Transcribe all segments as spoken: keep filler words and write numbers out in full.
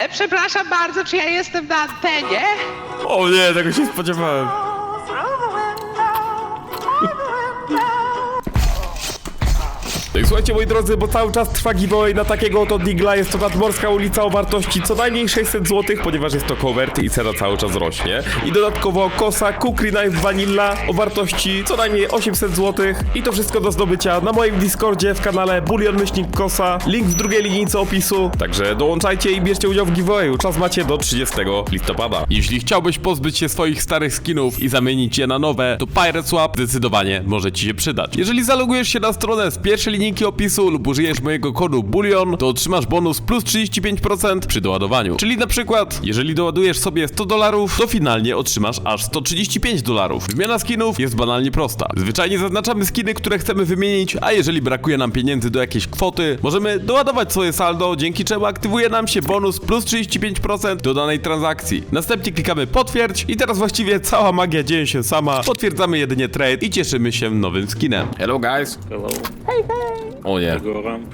E, przepraszam bardzo, czy ja jestem na antenie? O nie, tego się spodziewałem. No i słuchajcie, moi drodzy, bo cały czas trwa giveaway na takiego oto digla. Jest to nadmorska ulica o wartości co najmniej sześćset złotych, ponieważ jest to covert i cena cały czas rośnie. I dodatkowo kosa Kukri Knife Vanilla o wartości co najmniej osiemset złotych. I to wszystko do zdobycia na moim Discordzie w kanale Bulion Myślnik Kosa. Link w drugiej linijce opisu. Także dołączajcie i bierzcie udział w giveawayu. Czas macie do trzydziestego listopada. Jeśli chciałbyś pozbyć się swoich starych skinów i zamienić je na nowe, to Pirate Swap zdecydowanie może ci się przydać. Jeżeli zalogujesz się na stronę z pierwszej linijki opisu lub użyjesz mojego kodu Bulion, to otrzymasz bonus plus trzydzieści pięć procent przy doładowaniu. Czyli na przykład, jeżeli doładujesz sobie sto dolarów, to finalnie otrzymasz aż sto trzydzieści pięć dolarów. Wymiana skinów jest banalnie prosta. Zwyczajnie zaznaczamy skiny, które chcemy wymienić, a jeżeli brakuje nam pieniędzy do jakiejś kwoty, możemy doładować swoje saldo, dzięki czemu aktywuje nam się bonus plus trzydzieści pięć procent do danej transakcji. Następnie klikamy potwierdź i teraz właściwie cała magia dzieje się sama. Potwierdzamy jedynie trade i cieszymy się nowym skinem. Hello guys. Hello. Hej, hej! O nie. Go ramp.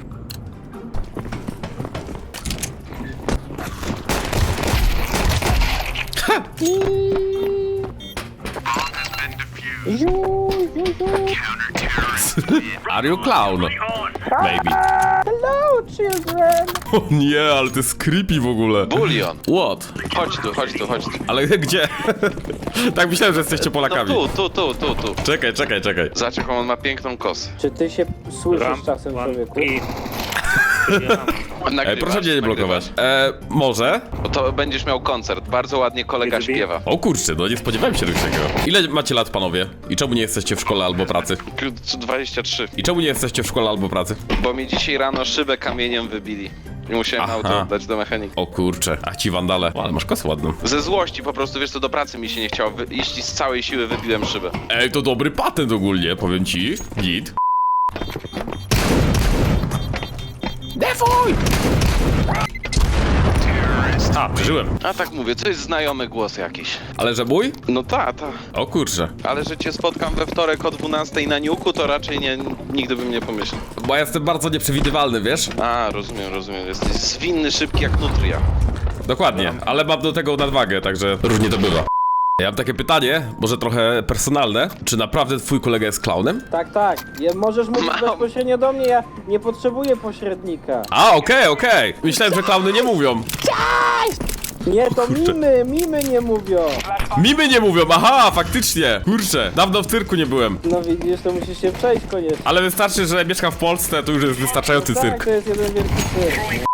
Are you clown? Maybe. Hello, children! O nie, ale to jest creepy w ogóle. Bulion. What? Chodź tu, chodź tu, chodź tu. Ale gdzie? Tak myślałem, że jesteście No Polakami. tu, tu, tu, tu, tu. Czekaj, czekaj, czekaj. Zobacz jaką on ma piękną kosę. Czy ty się słyszysz Ramp, czasem, one, człowieku? i... E, Nagrywasz, proszę mnie nie blokować. E, może? Bo to będziesz miał koncert. Bardzo ładnie kolega Jest śpiewa. O kurczę, no nie spodziewałem się czegoś takiego. Ile macie lat, panowie? I czemu nie jesteście w szkole albo pracy? dwadzieścia trzy. I czemu nie jesteście w szkole albo pracy? Bo mi dzisiaj rano szybę kamieniem wybili. I musiałem Aha. auto oddać do mechanika. O kurczę, a ci wandale. O, ale masz kosę ładną. Ze złości po prostu, wiesz co, do pracy mi się nie chciało wy- iść i z całej siły wybiłem szybę. Ej, to dobry patent ogólnie, powiem ci. Git. Defuj! A, przeżyłem. A tak mówię, to jest znajomy głos jakiś. Ale że mój? No ta, ta. O kurczę. Ale że cię spotkam we wtorek o dwunastej na Niuku, to raczej nie, nigdy bym nie pomyślał. Bo ja jestem bardzo nieprzewidywalny, wiesz? A, rozumiem, rozumiem. Jesteś zwinny, szybki jak nutria. Dokładnie, ale mam do tego nadwagę, także różnie to bywa. Ja mam takie pytanie, może trochę personalne. Czy naprawdę twój kolega jest klaunem? Tak, tak. Je, możesz mówić Mam. bezpośrednio do mnie, ja nie potrzebuję pośrednika. A, okej, okej. Myślałem, że klauny nie mówią. Nie, to mimy, mimy nie mówią. Mimy nie mówią, aha, faktycznie. Kurczę, dawno w cyrku nie byłem. No widzisz, to musisz się przejść koniecznie. Ale wystarczy, że mieszkam w Polsce, to już jest wystarczający Tak, cyrk. to jest jeden wielki cyrk.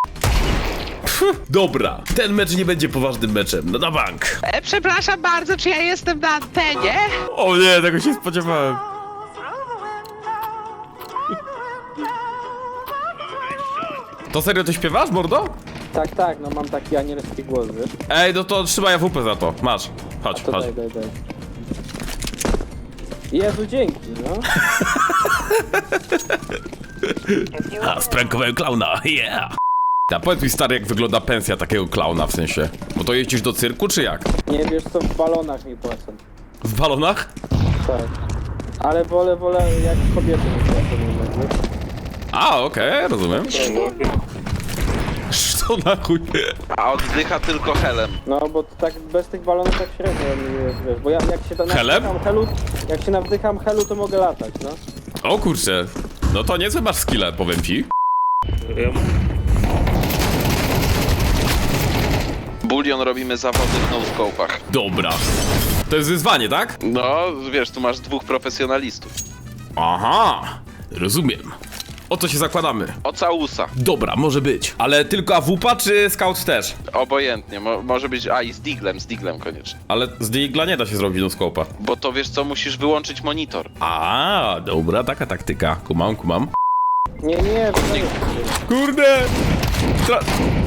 Dobra, ten mecz nie będzie poważnym meczem, no na bank. E, przepraszam bardzo, czy ja jestem na antenie? O nie, tego się spodziewałem. To serio ty śpiewasz, mordo? Tak, tak, no mam taki anielski głos, wiesz? Ej, no to trzymaj A W P za to, masz. Chodź, To chodź. daj, daj, daj. Jezu, dzięki, no. A, sprankowałem klauna, yeah. A powiedz mi, stary, jak wygląda pensja takiego klauna, w sensie. Bo to jeździsz do cyrku, czy jak? Nie wiesz co, w balonach mi płacą. W balonach? Tak. Ale wolę, wolę jak kobiety mi płacą, wiesz? A, okej, rozumiem. Co na chuj? A oddycha tylko helem. No, bo tak bez tych balonów tak średnio mi jest, wiesz, bo ja jak się tam Helem? nawdycham helu, jak się nawdycham helu, to mogę latać, no. O kurczę. No to niezły masz skille, powiem ci. Ja... Bulion robimy zawody w no-scope'ach. Dobra. To jest wyzwanie, tak? No, wiesz, tu masz dwóch profesjonalistów. Aha, rozumiem. O co się zakładamy? O całusa. Dobra, może być. Ale tylko A W P czy Scout też? Obojętnie, Mo może być... A, i z diglem, z diglem koniecznie. Ale z Digla nie da się zrobić do skopa. Bo to wiesz co, musisz wyłączyć monitor. A, dobra, taka taktyka. Kumam, kumam. Nie, nie, to nie. Kurde! Tra...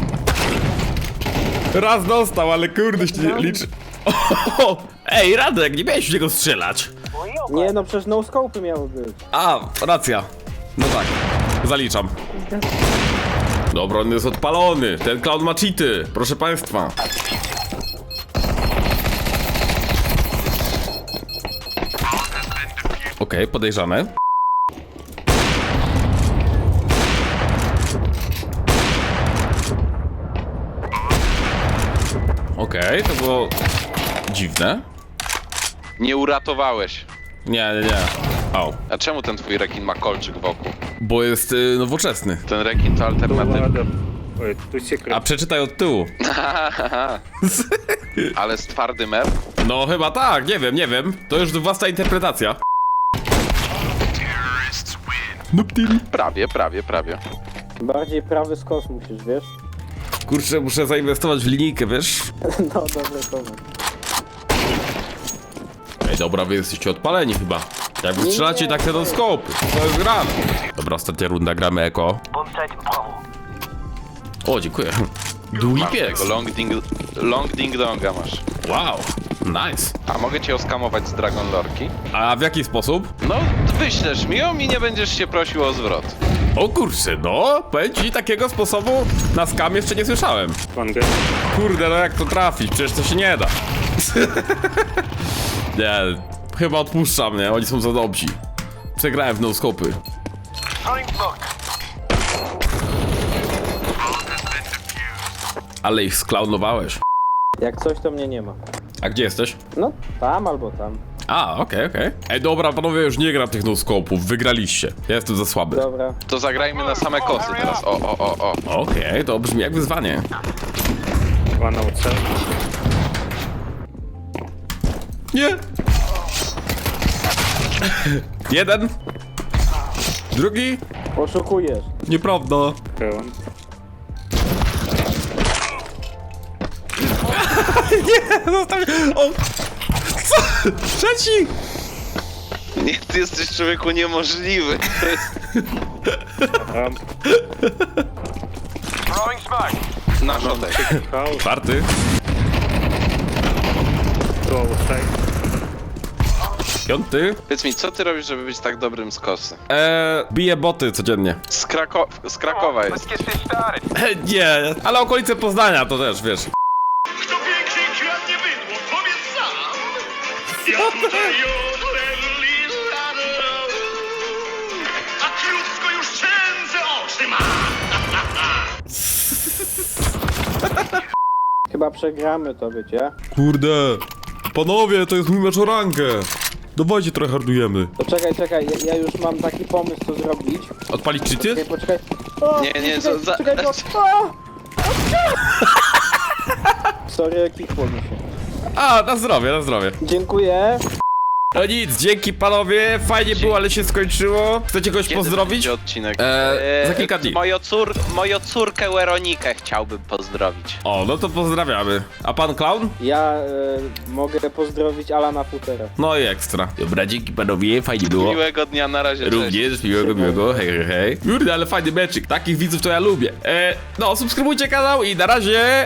Raz dostał, ale kurde się nie liczy. O, ej, Radek, nie miałeś w niego strzelać. Nie, no przecież no scope'y miały być. A, racja. No tak, zaliczam. Dobra, on jest odpalony. Ten clown ma cheaty, proszę państwa. Okej, okay, podejrzane. okej, to było dziwne. Nie uratowałeś. Nie, nie, nie. Au. A czemu ten twój rekin ma kolczyk wokół? Bo jest y, nowoczesny. Ten rekin to alternatywa. Ой, tu A секрет. przeczytaj od tyłu. Ale z twardym R? No chyba tak, nie wiem, nie wiem. To już własna interpretacja. Nuptil. Prawie, prawie, prawie. Bardziej prawy skos musisz, wiesz? Kurczę, muszę zainwestować w linijkę, wiesz? No dobra, koment. Ej, dobra, wy jesteście odpaleni chyba. Jak wy Nie, strzelacie nie. tak te skopy, to jest grane. Dobra, ostatnia runda, gramy eko. O, dziękuję. Długi Masz pies. tego long ding, long ding donga masz. Wow, nice. A mogę cię oskamować z Dragon Lorki? A w jaki sposób? No, wyślesz mi ją i nie będziesz się prosił o zwrot. O kurczę, no, powiem ci, takiego sposobu na skam jeszcze nie słyszałem. Ванга. Kurde, no jak to trafić? Przecież to się nie da. Nie, chyba odpuszczam, nie? Oni są za dobrzy. Przegrałem w no-scopy. Ale ich sklaunowałeś. Jak coś, to mnie nie ma. A gdzie jesteś? No, tam albo tam. A, okej, okej. Ej, dobra, panowie, już nie gram tych no-scopów, wygraliście. Ja jestem za słaby. Dobra. To zagrajmy na same kosy teraz. O, o, o, o. Okej, to brzmi jak wyzwanie. One outside. Nie! Jeden. Drugi. Oszukujesz. Nieprawda. Heaven. Zostaw... O! Co? Trzeci! Nie, ty jesteś człowieku niemożliwy. To jest Ramp. na żądek. House. Czwarty. Two outside. Piąty. Powiedz mi, co ty robisz, żeby być tak dobrym z kosy? Eee, biję boty codziennie. Z, Krako z Krakowa jest. E, nie, ale okolice Poznania to też, wiesz. Kto większy kradnie bydło, powiedz sam! Ja tutaj odręli a krótko już szczędzę oczy ma! Chyba przegramy to, wiecie? Kurde. Panowie, to jest mój mecz o rangę. Dawajcie, trochę hardujemy. To czekaj, czekaj, ja, ja już mam taki pomysł, co zrobić. Odpalić Czekaj, cheaty? poczekaj. O, Nie, nie, czekaj, za- czekaj, za- bo... o! Sorry, kikło mi się. A, na zdrowie, na zdrowie. Dziękuję. No nic, dzięki panowie, fajnie było, ale się skończyło. Chcecie kogoś Kiedy pozdrowić? będzie odcinek? Eee, za kilka dni. Moją, cór moją córkę Weronikę chciałbym pozdrowić. O, no to pozdrawiamy. A pan Clown? Ja e, mogę pozdrowić Alana Futera. No i ekstra. Dobra, dzięki panowie, fajnie było. Miłego dnia, na razie, cześć. Również, miłego, miłego, hej, hej, hej. Kurde, ale fajny meczyk, takich widzów to ja lubię. E, no, subskrybujcie kanał i na razie...